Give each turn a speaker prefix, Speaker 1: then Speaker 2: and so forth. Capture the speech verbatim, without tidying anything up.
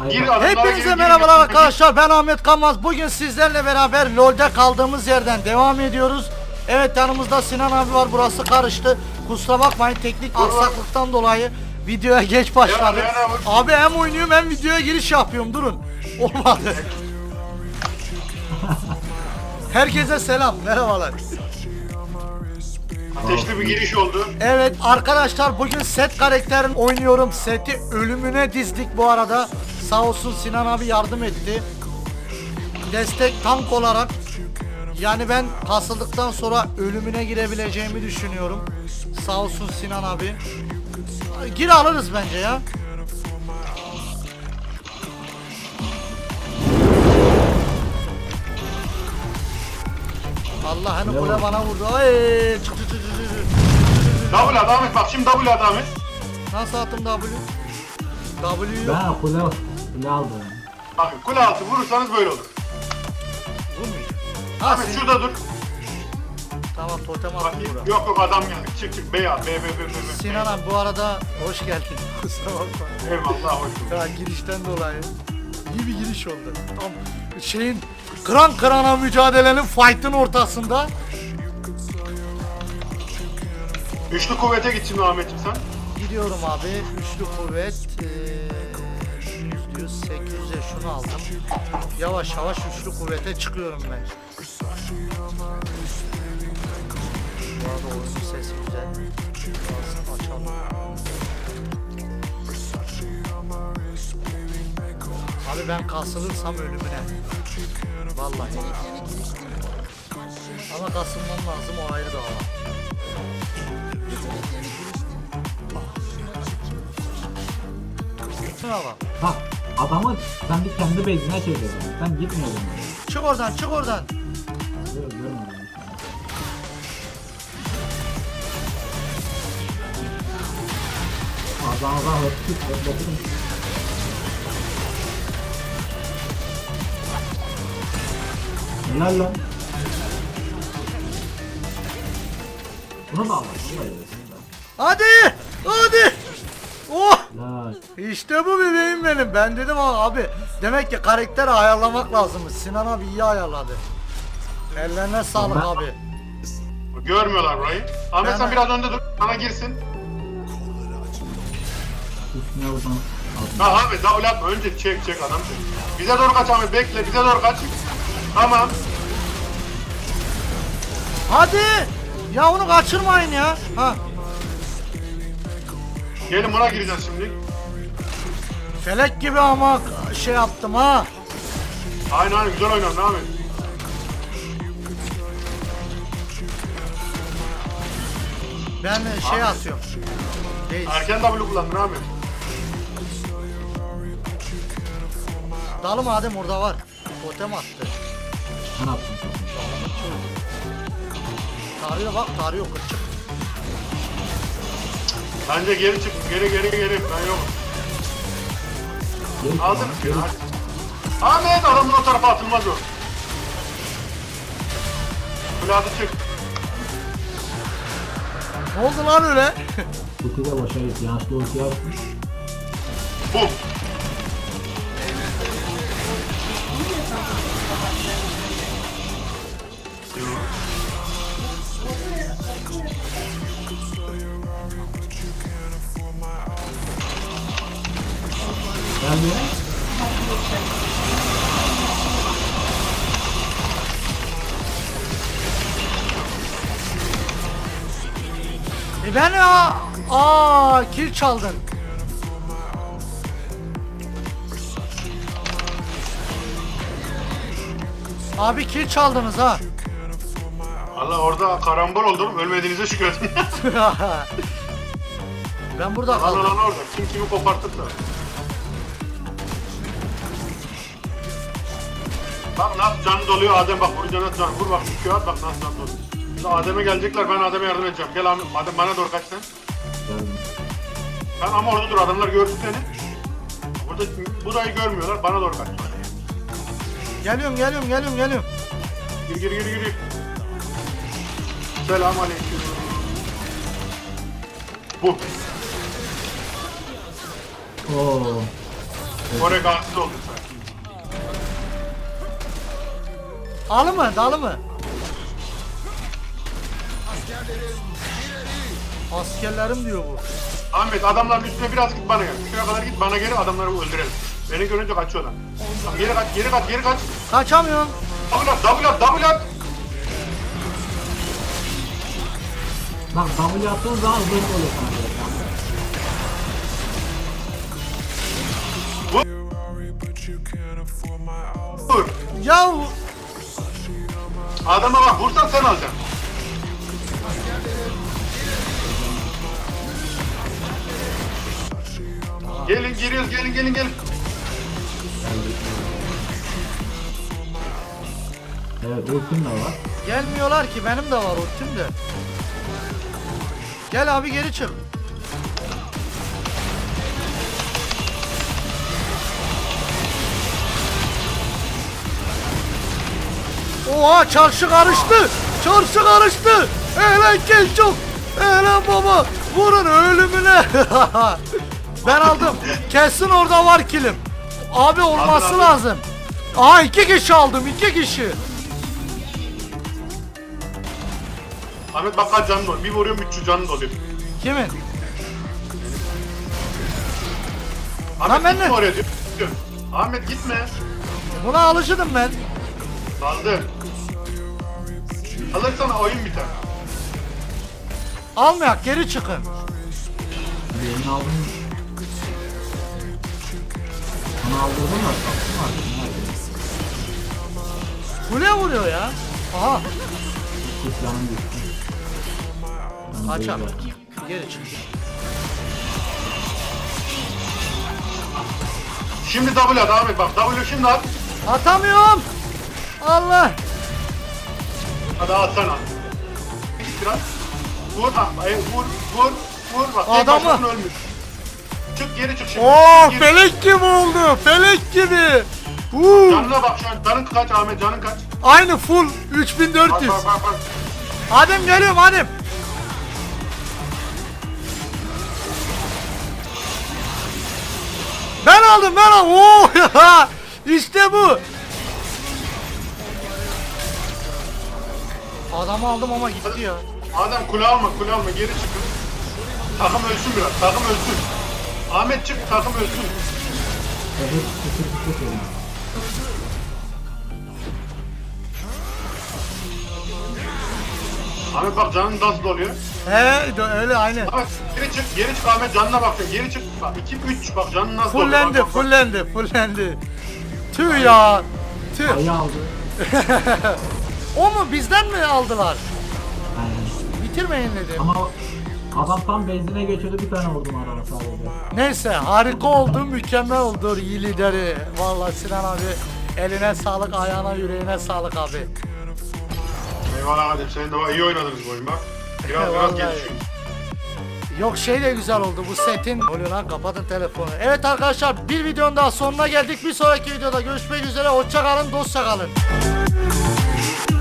Speaker 1: Gir adamlara gir,
Speaker 2: Hepinize
Speaker 1: gir,
Speaker 2: merhabalar
Speaker 1: gir,
Speaker 2: arkadaşlar, ben Ahmet Kanmaz. Bugün sizlerle beraber LoL'de kaldığımız yerden devam ediyoruz. Evet, yanımızda Sinan abi var, burası karıştı. Kusura bakmayın, teknik aksaklıktan dolayı videoya geç başladık.
Speaker 1: Ya, ya, ya.
Speaker 2: Abi hem oynuyorum hem videoya giriş yapıyorum, durun. Olmadı. Herkese selam, merhabalar.
Speaker 1: Ateşli bir giriş oldu.
Speaker 2: Evet arkadaşlar, bugün set karakterini oynuyorum. Seti ölümüne dizdik bu arada. Sağ olsun Sinan abi yardım etti. Destek tank olarak. Yani ben kasıldıktan sonra ölümüne girebileceğimi düşünüyorum. Sağ olsun Sinan abi. Gir alırız bence ya. Allah hani kule bana vurdu. Ay çık çık çık çık çık.
Speaker 1: Double adam et bak, şimdi double adam et.
Speaker 2: Nasıl attım W? W yok.
Speaker 3: Ben kule, kule aldım.
Speaker 1: Bakın kule altı vurursanız böyle olur.
Speaker 2: Vurmayacak. Ha,
Speaker 1: Ahmet
Speaker 2: Sin-
Speaker 1: şurada dur.
Speaker 2: Tamam, totem
Speaker 1: Bak,
Speaker 2: attım bura.
Speaker 1: yok yok adam geldi. Çık çık B al. B B B B. B.
Speaker 2: Sinan abi bu arada hoş geldin. Kusura bakma.
Speaker 1: Eyvallah, hoş bulduk.
Speaker 2: Ya girişten dolayı. İyi bir giriş oldu. Tam şeyin kıran kırana mücadelenin fight'ın ortasında.
Speaker 1: Üçlü kuvvete git şimdi Ahmet'im sen.
Speaker 2: Gidiyorum abi. Üçlü kuvvet. Yüz yüz sekiz yüze şunu aldım. Yavaş yavaş üçlü kuvvete çıkıyorum ben. Bu arada oyunun sesi güzel. Biraz açalım. Abi ben kasılırsam ölümüne. Vallahi. Ama kasılmam lazım, o ayrı dava. Şuna bak.
Speaker 3: Bak adamı ben bir kendi base'ine çevirdim. Ben gitmiyordum.
Speaker 2: Çık oradan, çık oradan.
Speaker 3: Gör, görmedim. Adamı da hırsız hırsız. Helal lan. Bunu da al. Bunu da yiyorsun.
Speaker 2: Hadi! Hadi! Oh!
Speaker 3: Helal.
Speaker 2: İşte bu bebeğim benim. Ben dedim ama abi, demek ki karakteri ayarlamak lazımmış. Sinan abi iyi ayarladı. Ellerine sağlık
Speaker 3: Ben-
Speaker 2: abi.
Speaker 1: Görmüyorlar burayı. Ahmet
Speaker 2: Ben-
Speaker 1: sen biraz önde dur. Sana girsin.
Speaker 3: Üstüne buradan aldım.
Speaker 1: Ha Ahmet double atma. Önce çek çek adam çek. Bize doğru kaç Ahmet, bekle. Bize doğru kaç. Tamam.
Speaker 2: Hadi! Ya onu kaçırmayın ya. Ha.
Speaker 1: Gelin buna gireceğiz şimdi.
Speaker 2: Felek gibi ama şey yaptım ha.
Speaker 1: Aynen aynen, güzel oynadın Ahmet.
Speaker 2: Ben şey atıyorum. Değil.
Speaker 1: Erken W kullandın Ahmet.
Speaker 2: Dalı madem orada var. Totem attı.
Speaker 3: Ben attım.
Speaker 2: Tarıyor bak, tarıyor kırçık.
Speaker 1: Bence geri çık. Geri geri geri. Ben yokum.
Speaker 3: Geri
Speaker 1: Aldın mı?
Speaker 3: geri-
Speaker 1: Hadi. Ahmet adamın o tarafa atılmaz o. Kulağı çık.
Speaker 2: Ne oldu lan öyle?
Speaker 3: Kutu da boşa gitti. Yanlışlıkla ulti yapmış.
Speaker 1: Bum.
Speaker 3: Geldi.
Speaker 2: E ben ya. Aa, kill çaldın. Abi kill çaldınız ha.
Speaker 1: Allah orada karambol oldum. Ölmediğinize şükredin.
Speaker 2: Ben burada
Speaker 1: Lan
Speaker 2: kaldım.
Speaker 1: lan orada. Kim kimi kopartıp da. Bak nasıl canı doluyor Adem, bak vur canı can. Vur bak şu at, bak nasıl canı doluyor. Şimdi Adem'e gelecekler, ben Adem'e yardım edeceğim. Gel Adem, Adem bana doğru kaç sen.
Speaker 3: Geldim.
Speaker 1: Sen ama orada dur, adamlar görsün seni. Burada burayı görmüyorlar, bana doğru kaç.
Speaker 2: Geliyorum, geliyorum, geliyorum, geliyorum.
Speaker 1: Gir gir gir gir. Selam aleyküm. Bu.
Speaker 3: Oo.
Speaker 1: Oraya gansız oldun sen.
Speaker 2: Alı mı? Dalı mı? Askerlerim diyor bu.
Speaker 1: Ahmet adamların üstüne biraz git bana gel. Şuraya kadar git bana geri adamları öldürelim. Beni görünce kaçıyorlar. Geri kaç, geri kaç, geri kaç.
Speaker 2: Kaçamıyorum.
Speaker 1: Double at, double at, double at.
Speaker 3: Bak W attığın zaman hızlı oluyor sana göre.
Speaker 1: Vur.
Speaker 2: Ya
Speaker 1: Adama bak, vursan sen alacaksın. Gelin, giriyoruz, gelin, gelin, gelin.
Speaker 3: Evet ultim de var.
Speaker 2: gelmiyorlar ki, benim de var ultim de. Gel abi geri çık. Oha çarşı karıştı. Çarşı karıştı. Ehlen gel çok. Ehlen baba. Vurun ölümüne. Ben aldım. Kesin orada var kilim. Abi olması
Speaker 1: Aldın, aldın.
Speaker 2: lazım. Aa iki kişi aldım, iki kişi.
Speaker 1: Ahmet bak kaç canın var. Bir vuruyorum üç yüz canın oluyor.
Speaker 2: Kimin?
Speaker 1: Ahmet
Speaker 2: ben
Speaker 1: gitme
Speaker 2: de-
Speaker 1: oraya diyor. diyor. Ahmet gitme.
Speaker 2: Buna alışırdım ben.
Speaker 1: Kaldı. Alırsan oyun biter.
Speaker 2: Almayak geri çıkın.
Speaker 3: Birini aldım. Onu aldırdım da sattım artık.
Speaker 2: Kule vuruyor ya. Aha.
Speaker 3: Hiç canım düştü. Ben
Speaker 2: Kaç abi.
Speaker 3: böyle-
Speaker 2: Geri çık.
Speaker 1: Şimdi double at Ahmet bak. W şimdi at.
Speaker 2: Atamıyorum. Allah.
Speaker 1: Hadi atsana. Git biraz. Vur, ha, ay, vur, vur, vur. Bak, tek
Speaker 2: Adamı-
Speaker 1: başına ölmüş. Çık geri çık şimdi.
Speaker 2: Oo
Speaker 1: Geri-
Speaker 2: felek gibi oldu. Felek gibi. Uuu.
Speaker 1: Canına bak şu an. Canın kaç Ahmet, canın kaç?
Speaker 2: Aynı full üç bin dört
Speaker 1: Bak
Speaker 2: yüz.
Speaker 1: bak bak bak.
Speaker 2: Adem geliyorum Adem. Ben aldım ben aldım. Oo ya. İşte bu. Adamı aldım ama gitti ya.
Speaker 1: Adem kule alma, kule alma. Geri çıkın. Takım ölsün biraz. Takım ölsün. Ahmet çık, takım ölsün.
Speaker 3: Evet, kısır kısır söylüyorum.
Speaker 1: Ahmet bak canın nasıl doluyor.
Speaker 2: He öyle aynen.
Speaker 1: Ahmet geri çık, geri çık Ahmet canına bak. Geri çık. Bak iki üç bak canın nasıl doluyor.
Speaker 2: Fullendi
Speaker 1: Bak, bak, bak.
Speaker 2: fullendi fullendi. Tüh ya. Tüh.
Speaker 3: Ayı aldı.
Speaker 2: O mu bizden mi aldılar?
Speaker 3: Aynen.
Speaker 2: Bitirmeyin dedim.
Speaker 3: Ama adam tam benzine geçiyordu, bir tane vurdum adama sadece.
Speaker 2: Neyse harika oldu, mükemmel oldu iyi lideri. Vallahi Sinan abi eline sağlık, ayağına yüreğine sağlık abi.
Speaker 1: Eyvallah Adem, senin de iyi oynadınız bu oyun bak. Biraz biraz
Speaker 2: Vallahi.
Speaker 1: gelişiyor.
Speaker 2: Yok şey de güzel oldu bu setin. Oluyor lan kapatın telefonu. Evet arkadaşlar bir videonun daha sonuna geldik. Bir sonraki videoda görüşmek üzere. Hoşça kalın, dostça kalın.